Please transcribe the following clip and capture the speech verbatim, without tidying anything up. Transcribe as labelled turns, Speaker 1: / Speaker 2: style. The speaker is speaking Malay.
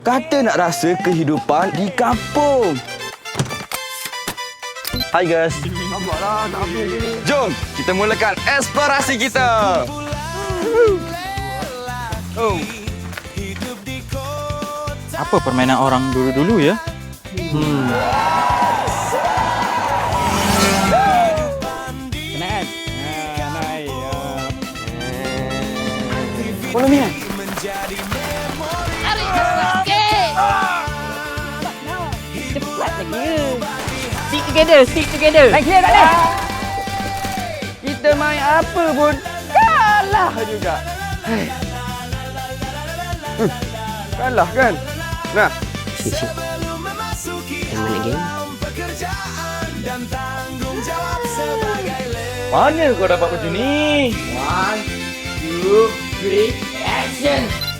Speaker 1: Kata nak rasa kehidupan di kampung. Hai guys.
Speaker 2: Nampaklah tak habis ni.
Speaker 1: Jom kita mulakan eksplorasi kita. Oh.
Speaker 3: Apa permainan orang dulu-dulu ya? Hmm.
Speaker 2: Kenaan. Ha, naik. Follow me.
Speaker 4: Tarik cepat sikit.
Speaker 2: Cepat lagi.
Speaker 4: Stick together, stick together.
Speaker 2: Naik clear tak ni? Kita main apa pun kalah juga. Hai. Hmm. Kalah kan? Nah.
Speaker 5: Sip, sip. Yang mana game?
Speaker 2: Mana kau dapat baju ni?
Speaker 5: One, two, three, action!